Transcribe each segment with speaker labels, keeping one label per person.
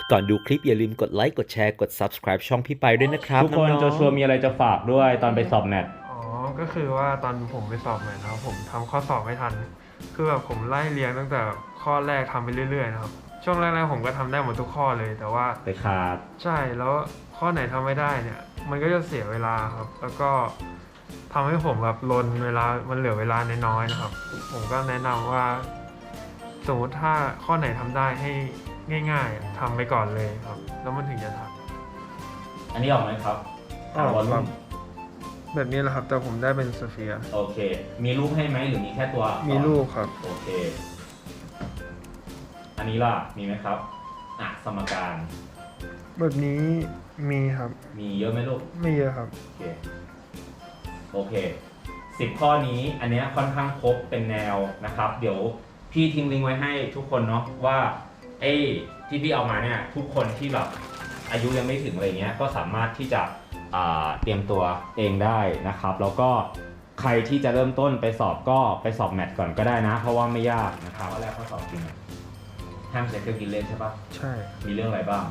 Speaker 1: ก่อนดูคลิปอย่าลืมกดไลค์กดแชร์กด subscribe ช่องพี่ไปด้วยนะครับ
Speaker 2: ทุกคน
Speaker 1: น้องๆ
Speaker 2: โจชัวมีอะไรจะฝากด้วยตอนไปสอบแมท
Speaker 3: อ๋อ ก็คือว่าตอนผมไปสอบมานะครับผมทำข้อสอบไม่ทัน คือแบบผมไล่เรียงตั้งแต่ข้อแรกทำไปเรื่อยๆนะครับ ช่วงแรกๆผมก็ทำได้หมดทุกข้อเลย แต่ว่า
Speaker 2: ไปขาด
Speaker 3: ใช่ แล้วข้อไหนทำไม่ได้เนี่ย มันก็จะเสียเวลาครับ แล้วก็ทำให้ผมแบบลนเวลา มันเหลือเวลาน้อยๆนะครับ ผมก็แนะนำว่า สมมติถ้าข้อไหนทำได้ให้ง่ายๆทำไปก่อนเลยครับ แล้วมันถึงจะทัน
Speaker 2: อันนี้ออกไหมครับ
Speaker 3: ออก
Speaker 2: วอล
Speaker 3: ครั
Speaker 2: ลุ่
Speaker 3: บ
Speaker 2: ม
Speaker 3: แบบนี้แหละครับ แต่ผมได้เป็นสเฟียร์
Speaker 2: โอเค มีรูปให้ไหมหรือมีแค่ตัวอักษร
Speaker 3: มีรูปครับ
Speaker 2: โอเค อันนี้ล่ะ มีไหมครับสมการ
Speaker 3: แบบนี้มีครับ
Speaker 2: มีเยอะไหมลูก
Speaker 3: ไม่เยอะครับ
Speaker 2: โอเค โอเค10 ข้อนี้อันเนี้ยค่อนข้างครบเป็นแนวนะครับ เดี๋ยวพี่ทิ้งลิงก์ไว้ให้ทุกคนเนาะว่าที่พี่เอามาเนี่ยทุกคนที่แบบอายุยังไม่ถึงอะไรเงี้ยก็สามารถที่จะเตรียมตัวเองได้นะครับ แล้วก็ใครที่จะเริ่มต้นไปสอบก็ไปสอบแมทก่อนก็ได้นะ เพราะว่าไม่ยากนะครับข้อแรกข้อสอบจริงห้ามใช้เครื่องคิดเลขใช่ปะ
Speaker 3: ใช่
Speaker 2: มีเรื่องอะไรบ้าง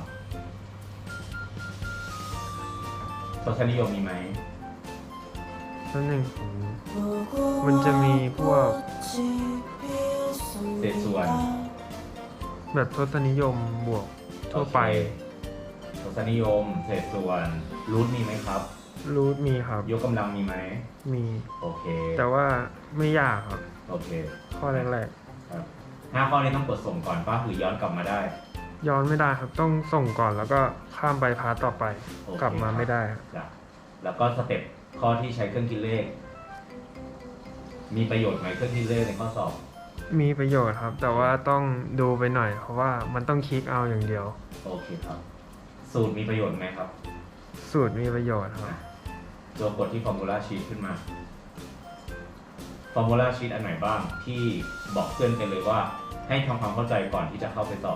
Speaker 2: ทศนิยมมีไหม
Speaker 3: นั่นหนึ่งมันจะมีพวก
Speaker 2: เศษส่วน
Speaker 3: แบบทศนิยมบวกทั่วไป
Speaker 2: โอเคทศนิยมเศษส่วนรูทมีไหมครับ
Speaker 3: รูทมีครับ
Speaker 2: ยกกำลังมีไหม
Speaker 3: มี
Speaker 2: โอเค
Speaker 3: แต่ว่าไม่ยากครับ
Speaker 2: โอเค
Speaker 3: ข้อแรก
Speaker 2: ครับ5 ข้อนี้ต้องกดส่งก่อนป่ะหรือย้อนกลับมาได้
Speaker 3: ๆย้อนไม่ได้ครับ ต้องส่งก่อนแล้วก็ข้ามไปพาร์ทต่อไป
Speaker 2: โอเค
Speaker 3: กลับมาไม่ได้ครับ
Speaker 2: จ้ะแล้วก็สเต็ปข้อที่ใช้เครื่องคิดเลข มีประโยชน์ไหมเครื่องคิดเลขในข้อสอบ
Speaker 3: มีประโยชน์ครับ แต่ว่าต้องดูไปหน่อย เพราะว่ามันต้องคลิกเอาอย่างเดียว
Speaker 2: โอเคครับ สูตรมีประโยชน์ไหมครับ
Speaker 3: สูตรมีประโยชน์ครับ
Speaker 2: ตัวกดที่ formula sheet ขึ้นมา formula sheet อันไหนบ้างที่บอกเพื่อนกันเลยว่าให้ทำความเข้าใจก่อนที่จะเข้าไปสอบ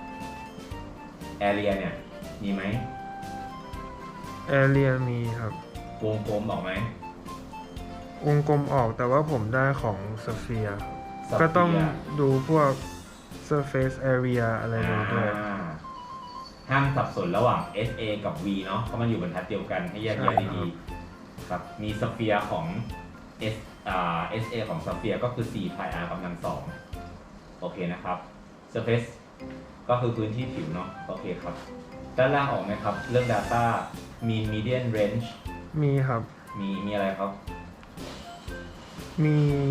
Speaker 2: area เนี่ยมีไหม
Speaker 3: แอเรียมีครับ
Speaker 2: วงกลมบอกไหม
Speaker 3: วงกลมออกแต่ว่าผมได้ของสเฟียร์
Speaker 2: Sphere
Speaker 3: ก็ต้องดูพวก surface area อะไรเลยด้วย
Speaker 2: ห้ามสับสนระหว่าง SA กับ V เนาะเพราะมันอยู่บรรทัดเดียวกันให้แยกแยะ
Speaker 3: ใช่ครับ
Speaker 2: ดีๆครับมีสเฟียร์ของ SA ของสเฟียร์ก็คือ4 pi r กำลัง2โอเคนะครับ surface ก็คือพื้นที่ผิวเนาะโอเคครับด้านล่างออกไหมครับ เรื่อง data mean median range
Speaker 3: มีครับ
Speaker 2: มีอะไรครับ
Speaker 3: มี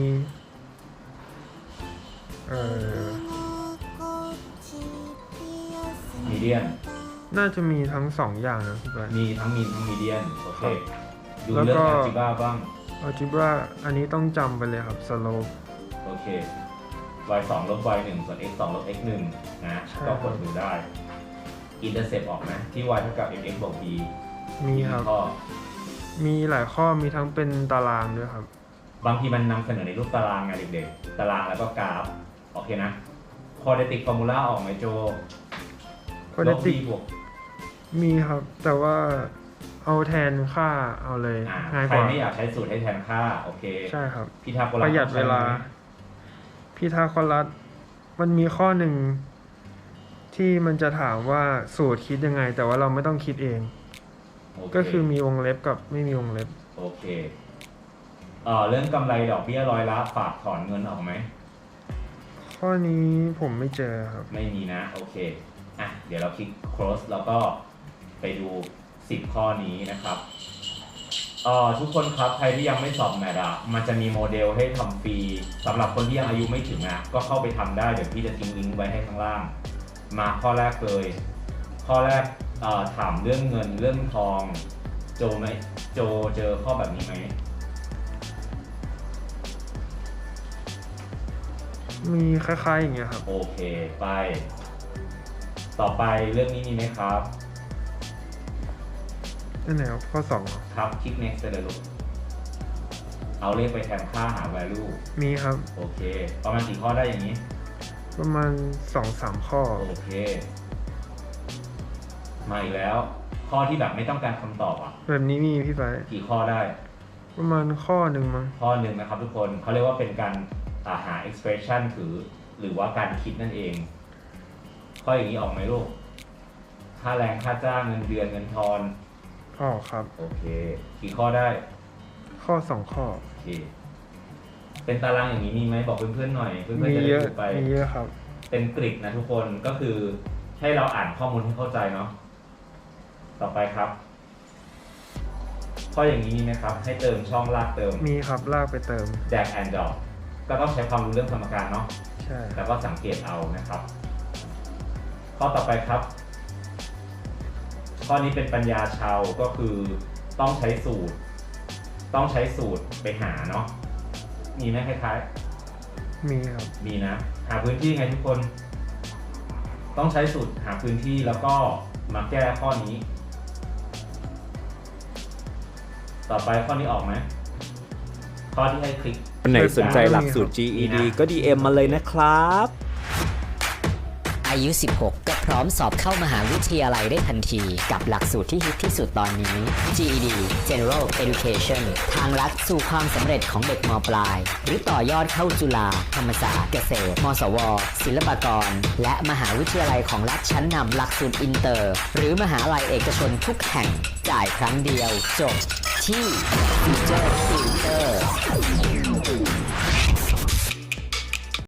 Speaker 2: median
Speaker 3: น่าจะมีทั้งสองอย่างนะพี่บอย
Speaker 2: มีทั้ง mean ทั้ง median โอเค ดู
Speaker 3: แล้ว
Speaker 2: เรื่อ
Speaker 3: ก็
Speaker 2: ง algebra บ้าง
Speaker 3: algebra อันนี้ต้องจำไปเลยครับ slope
Speaker 2: โอเค y 2ลบ y 1ส่วน x 2ลบ x 1นะ
Speaker 3: ใช่
Speaker 2: ก็กดดูได้ intercept ออกไหมที่ y เท่ากับ mx บวก b
Speaker 3: มีครับ
Speaker 2: ข้อ
Speaker 3: มีหลายข้อมีทั้งเป็นตารางด้วยครับ
Speaker 2: บางทีมันนำเสนอในรูปตารางไงเด็กๆ ตารางแล้วก็กราฟ โอเคนะ quadratic formula ออกไหมโจ
Speaker 3: quadratic
Speaker 2: ลบ b บวก
Speaker 3: มีครับ แต่ว่าเอาแทนค่าเอาเลยง่าย
Speaker 2: ใค
Speaker 3: ก
Speaker 2: ร
Speaker 3: ว่า
Speaker 2: ไม่อยากใช้สูตรให้แทนค่า โอเค
Speaker 3: ใช่ครับ
Speaker 2: พีทาโกรัส
Speaker 3: ประหยัดเวลา
Speaker 2: ใช้ไหม
Speaker 3: พีทาโกรัสมันมีข้อหนึ่งที่มันจะถามว่าสูตรคิดยังไง แต่ว่าเราไม่ต้องคิดเอง
Speaker 2: โเ
Speaker 3: ก็คือมีวงเล็บกับไม่มีวงเล็บ
Speaker 2: โอเคเรื่องกำไรดอกเบี้ยร้อยละฝากถอนเงินออกไหม
Speaker 3: ข้อนี้ผมไม่เจอครับ
Speaker 2: ไม่มีนะ โอเค เดี๋ยวเราคลิก close แล้วก็ไปดู10 ข้อนี้นะครับทุกคนครับใครที่ยังไม่สอบแมทมันจะมีโมเดลให้ทำฟรีสำหรับคนที่ยังอายุไม่ถึงก็เข้าไปทำได้เดี๋ยวพี่จะทิ้งลิงก์ไว้ให้ข้างล่าง มาข้อแรกเลย ข้อแรกถามเรื่องเงินเรื่องทองโจเจอข้อแบบนี้ไหม
Speaker 3: มีคล้ายๆอย่างเงี้ยครับ
Speaker 2: โอเคไป ต่อไปเรื่องนี้มีไหมครับ
Speaker 3: นั่นไหนครับข้อ2เหรอ
Speaker 2: ครับคลิก next ไปเลยลูกเอาเลขไปแทนค่าหา value
Speaker 3: มีครับ
Speaker 2: โอเค ประมาณกี่ข้อได้อย่างนี้
Speaker 3: ประมาณ 2-3 ข้อ
Speaker 2: โอเค มาอีกแล้ว ข้อที่แบบไม่ต้องการคำตอบ
Speaker 3: แบบนี้มีพี่ไป
Speaker 2: กี่ข้อได้
Speaker 3: ประมาณข้อหนึ่งมั้ง
Speaker 2: ข้อหนึ่งนะครับทุกคนเขาเรียกว่าเป็นการหา expression หรือว่าการคิดนั่นเอง ข้ออย่างนี้ออกไหมลูกค่าแรงค่าจ้างเงินเดือนเงินทอน
Speaker 3: ออกครับ
Speaker 2: โอเค กี่ข้อได้
Speaker 3: ข้อ2 ข้อ
Speaker 2: โอเค เป็นตารางอย่างนี้มีไหมบอกเพื่อนๆหน่อยเพื่อน
Speaker 3: มี
Speaker 2: ๆจะได้
Speaker 3: เยอะ
Speaker 2: ดูไป
Speaker 3: มีเยอะครับ
Speaker 2: เป็นกริดนะทุกคนก็คือให้เราอ่านข้อมูลให้เข้าใจเนาะต่อไปครับ ข้ออย่างนี้มีไหมครับ ให้เติมช่องลากเติม
Speaker 3: มีครับลากไปเติม
Speaker 2: drag and drop ก็ต้องใช้ความรู้เรื่องสมการเนาะ
Speaker 3: ใช่
Speaker 2: แล้วก็สังเกตเอานะครับ ข้อต่อไปครับ ข้อนี้เป็นปัญญาชาวก็คือต้องใช้สูตร ไปหาเนาะมีไหมคล้ายๆ
Speaker 3: มีครับ
Speaker 2: มีนะ หาพื้นที่ไงทุกคน ต้องใช้สูตรหาพื้นที่แล้วก็มาแก้ข้อนี้ ต่อไปข้อนี้ออกไหมข้อที่ให้คลิก
Speaker 1: คนไหนสนใจหลักสูตร GED ก็ DM มาเลยนะครับ
Speaker 4: อายุ 16 ก็พร้อมสอบเข้ามหาวิทยาลัยได้ทันทีกับหลักสูตรที่ฮิตที่สุดตอนนี้ GED General Education ทางลัดสู่ความสำเร็จของเด็กม.ปลาย หรือต่อยอดเข้าจุฬาธรรมศาสตร์เกษตร มศว ศิลปากร และมหาวิทยาลัยของรัฐชั้นนำหลักสูตรอินเตอร์ หรือมหาลัยเอกชนทุกแห่ง จ่ายครั้งเดียวจบที่ Future Tutor